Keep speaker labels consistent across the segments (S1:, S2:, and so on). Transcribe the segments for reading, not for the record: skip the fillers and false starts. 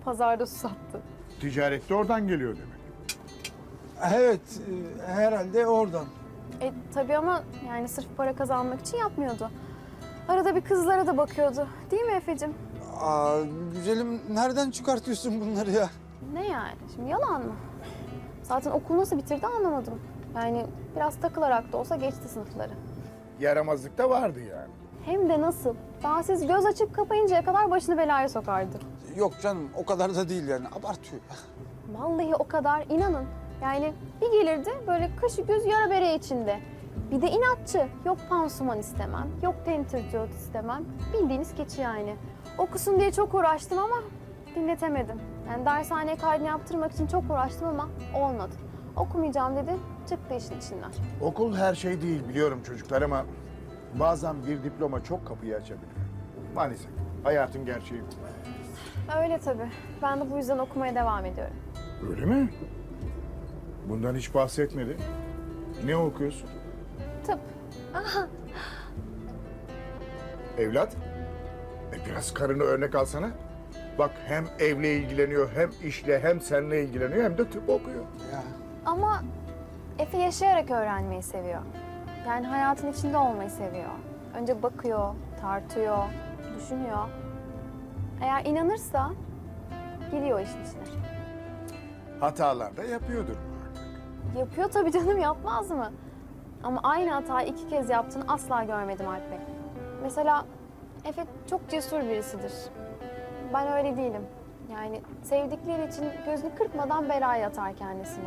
S1: pazarda su sattı.
S2: Ticarette oradan geliyor demek.
S3: Evet, herhalde oradan.
S1: Tabii ama yani sırf para kazanmak için yapmıyordu. Arada bir kızlara da bakıyordu. Değil mi Efe'cim?
S3: Aa, güzelim, nereden çıkartıyorsun bunları ya?
S1: Ne yani? Şimdi yalan mı? Zaten okul nasıl bitirdi anlamadım. Yani biraz takılarak da olsa geçti sınıfları.
S2: Yaramazlık da vardı yani.
S1: Hem de nasıl? Daha siz göz açıp kapayıncaya kadar başını belaya sokardı.
S3: Yok canım, o kadar da değil yani, abartıyor.
S1: Vallahi o kadar, inanın. Yani bir gelirdi böyle kaşı göz yara bere içinde. Bir de inatçı. Yok pansuman istemem, yok tentürdiyot istemem. Bildiğiniz keçi yani. Okusun diye çok uğraştım ama dinletemedim. Yani dershaneye kaydını yaptırmak için çok uğraştım ama olmadı. Okumayacağım dedi, çıktı işin içinden.
S2: Okul her şey değil biliyorum çocuklar ama bazen bir diploma çok kapıyı açabilir. Maalesef hayatın gerçeği bu.
S1: Öyle tabii. Ben de bu yüzden okumaya devam ediyorum.
S2: Öyle mi? Bundan hiç bahsetmedi. Ne okuyorsun?
S1: Tıp.
S2: Evlat, biraz karını örnek alsana. Bak hem evle ilgileniyor, hem işle, hem seninle ilgileniyor, hem de tıp okuyor.
S3: Ya.
S1: Ama Efe yaşayarak öğrenmeyi seviyor. Yani hayatın içinde olmayı seviyor. Önce bakıyor, tartıyor, düşünüyor. Eğer inanırsa giriyor işin içine.
S2: Hatalar da yapıyordur muhakkak.
S1: Yapıyor tabii canım, yapmaz mı? Ama aynı hatayı 2 kez yaptığını asla görmedim Alp Bey. Mesela Efe çok cesur birisidir. Ben öyle değilim. Yani sevdikleri için gözünü kırpmadan belaya atar kendisini.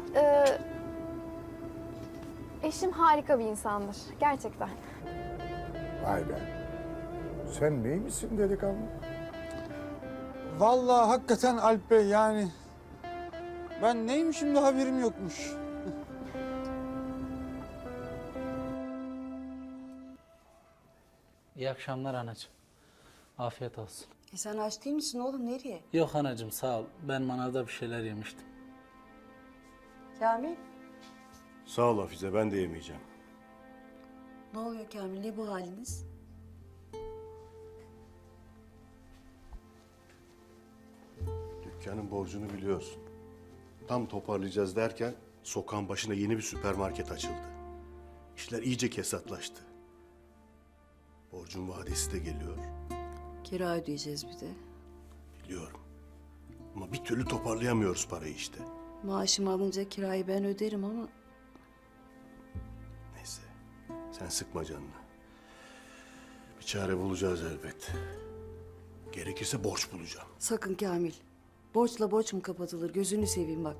S1: Eşim harika bir insandır. Gerçekten.
S2: Vay be. Sen neymişsin delikanlı?
S3: Vallahi hakikaten Alp Bey yani... Ben neymişim de haberim yokmuş.
S4: İyi akşamlar anacığım. Afiyet olsun.
S5: Sen aç değil misin oğlum? Nereye?
S4: Yok anacığım sağ ol. Ben manavda bir şeyler yemiştim.
S5: Kamil?
S6: Sağ ol Hafize, ben de yemeyeceğim.
S5: Ne oluyor Kamil? Ne bu haliniz?
S6: Dükkanın borcunu biliyorsun. Tam toparlayacağız derken sokağın başına yeni bir süpermarket açıldı. İşler iyice kesatlaştı. Borcun vadesi de geliyor.
S5: Kira ödeyeceğiz bir de.
S6: Biliyorum. Ama bir türlü toparlayamıyoruz parayı işte.
S5: Maaşımı alınca kirayı ben öderim ama...
S6: Neyse, sen sıkma canını. Bir çare bulacağız elbet. Gerekirse borç bulacağım.
S5: Sakın Kamil. Borçla borç mu kapatılır? Gözünü seveyim bak.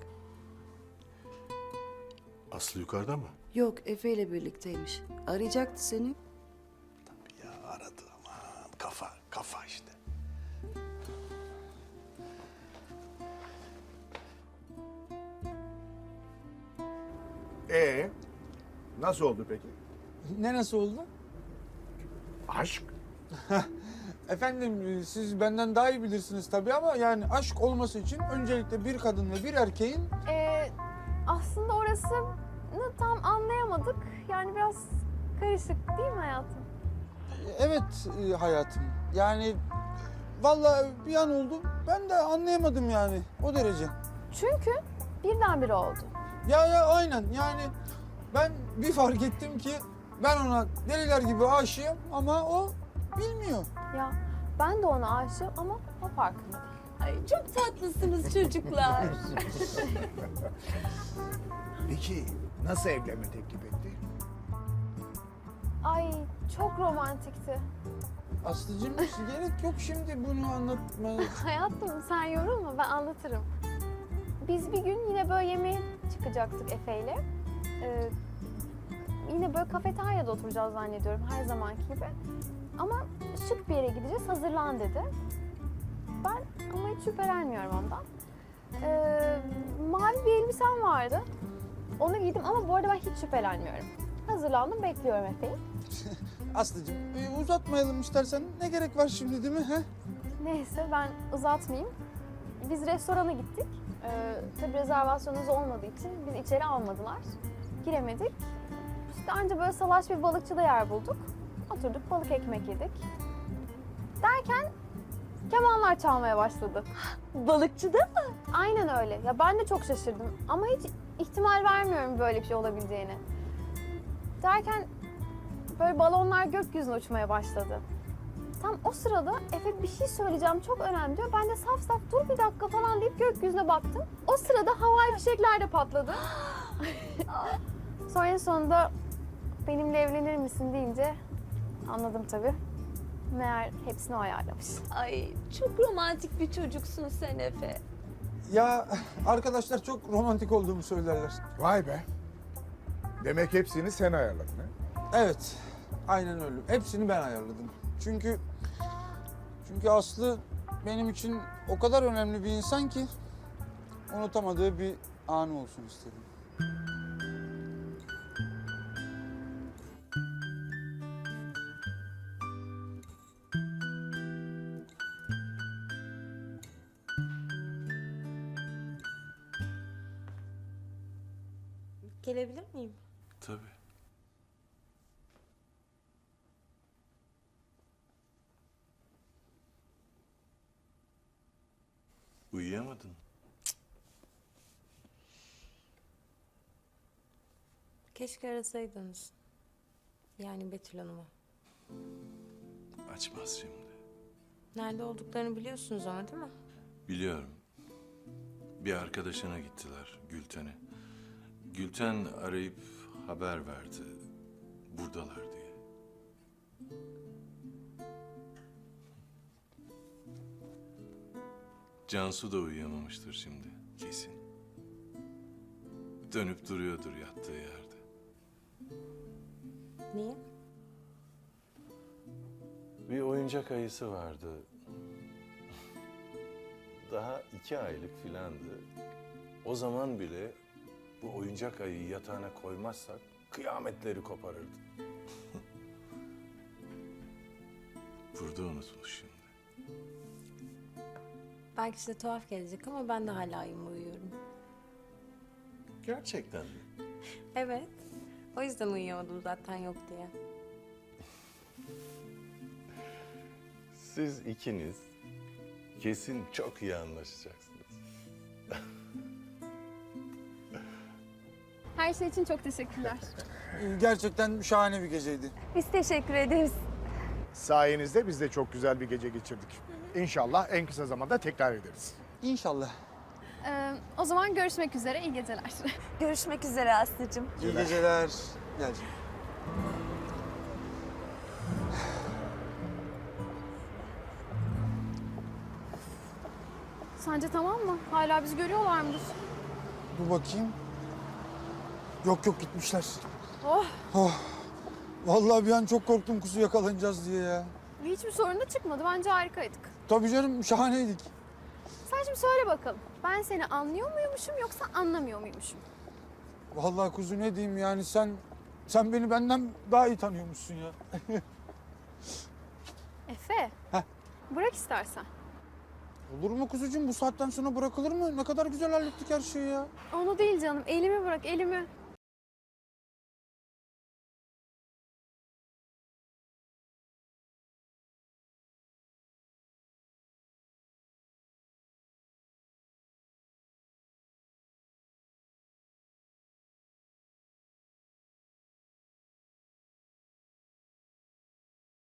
S6: Aslı yukarıda mı?
S5: Yok, Efe ile birlikteymiş. Arayacaktı seni.
S6: Ya aradı aman. Kafa işte.
S2: Nasıl oldu peki?
S3: Ne nasıl oldu?
S2: Aşk.
S3: Efendim, siz benden daha iyi bilirsiniz tabii ama yani aşk olması için öncelikle bir kadın ve bir erkeğin...
S1: Aslında orasını tam anlayamadık. Yani biraz karışık değil mi hayatım?
S3: Evet hayatım. Yani vallahi bir an oldu. Ben de anlayamadım yani o derece.
S1: Çünkü birdenbire oldu.
S3: Ya aynen yani ben bir fark ettim ki ben ona deliler gibi aşığım ama o bilmiyor.
S1: Ya ben de ona aşığım ama o farkında değil.
S5: Ay çok tatlısınız çocuklar.
S2: Peki nasıl evlenme teklif etti?
S1: Ay çok romantikti.
S3: Aslıcığım gerek yok şimdi bunu anlatmaya.
S1: Hayatım sen yorulma, ben anlatırım. Biz bir gün yine böyle yemeğe çıkacaktık Efe'yle. Yine böyle kafeteryada oturacağız zannediyorum her zamanki gibi. Ama şık bir yere gideceğiz, hazırlan dedi. Ben ama hiç şüphelenmiyorum ondan. Mavi bir elbisem vardı. Onu giydim ama bu arada ben hiç şüphelenmiyorum. Hazırlandım, bekliyorum Efe'yi.
S3: Aslıcığım uzatmayalım istersen, ne gerek var şimdi değil mi? He?
S1: Neyse ben uzatmayayım. Biz restorana gittik. Tabii rezervasyonumuz olmadığı için bizi içeri almadılar. Giremedik. İşte anca böyle salaş bir balıkçıda yer bulduk. Oturduk balık ekmek yedik. Derken kemanlar çalmaya başladı.
S7: Balıkçıda mı?
S1: Aynen öyle. Ya ben de çok şaşırdım ama hiç ihtimal vermiyorum böyle bir şey olabileceğine. Derken böyle balonlar gökyüzüne uçmaya başladı. Tam o sırada Efe bir şey söyleyeceğim çok önemli diyor. Ben de saf saf dur bir dakika falan deyip gökyüzüne baktım. O sırada havai fişekler de patladı. Sonra en sonunda benimle evlenir misin deyince anladım tabii. Meğer hepsini o ayarlamış.
S7: Ay çok romantik bir çocuksun sen Efe.
S3: Ya arkadaşlar çok romantik olduğumu söylerler.
S2: Vay be. Demek hepsini sen ayarladın ha?
S3: Evet, aynen öyle. Hepsini ben ayarladım. Çünkü Aslı benim için o kadar önemli bir insan ki unutamadığı bir anı olsun istedim.
S7: Gelebilir miyim?
S8: Tabii. Uyuyamadın.
S7: Keşke arasaydınız. Yani Betül Hanım'ı.
S8: Açmaz şimdi.
S7: Nerede olduklarını biliyorsunuz ama değil mi?
S8: Biliyorum. Bir arkadaşına gittiler, Gülten'e. Gülten arayıp haber verdi. Buradalar diye. Cansu da uyuyamamıştır şimdi, kesin. Dönüp duruyordur yattığı yerde.
S7: Niye?
S8: Bir oyuncak ayısı vardı. Daha 2 aylık filandı. O zaman bile bu oyuncak ayıyı yatağına koymazsak kıyametleri koparırdı. Burada unutmuş şimdi.
S7: Belki size tuhaf gelecek ama ben de hala uyuyorum.
S8: Gerçekten mi?
S7: Evet. O yüzden uyuyamadım zaten yok diye.
S8: Siz ikiniz kesin çok iyi anlaşacaksınız.
S1: Her şey için çok teşekkürler.
S3: Gerçekten şahane bir geceydi.
S1: Biz teşekkür ederiz.
S2: Sayenizde biz de çok güzel bir gece geçirdik. İnşallah en kısa zamanda tekrar ederiz.
S3: İnşallah.
S1: O zaman görüşmek üzere, iyi geceler.
S7: Görüşmek üzere Aslı'cığım.
S3: İyi geceler. Gel canım.
S1: Sence tamam mı? Hala bizi görüyorlar mıdır?
S3: Dur bakayım. Yok yok gitmişler.
S1: Oh,
S3: Oh. Vallahi bir an çok korktum kuzu yakalanacağız diye ya.
S1: hiçbir sorun da çıkmadı. Bence harikaydık.
S3: Tabii canım şahaneydik.
S1: Sen şimdi söyle bakalım. Ben seni anlıyor muymuşum yoksa anlamıyor muymuşum?
S3: Vallahi kuzu ne diyeyim yani sen beni benden daha iyi tanıyormuşsun ya.
S1: Efe,
S3: Heh.
S1: bırak istersen.
S3: Olur mu kuzucuğum bu saatten sonra bırakılır mı? Ne kadar güzel hallettik her şeyi ya.
S1: Onu değil canım, elimi bırak, elimi.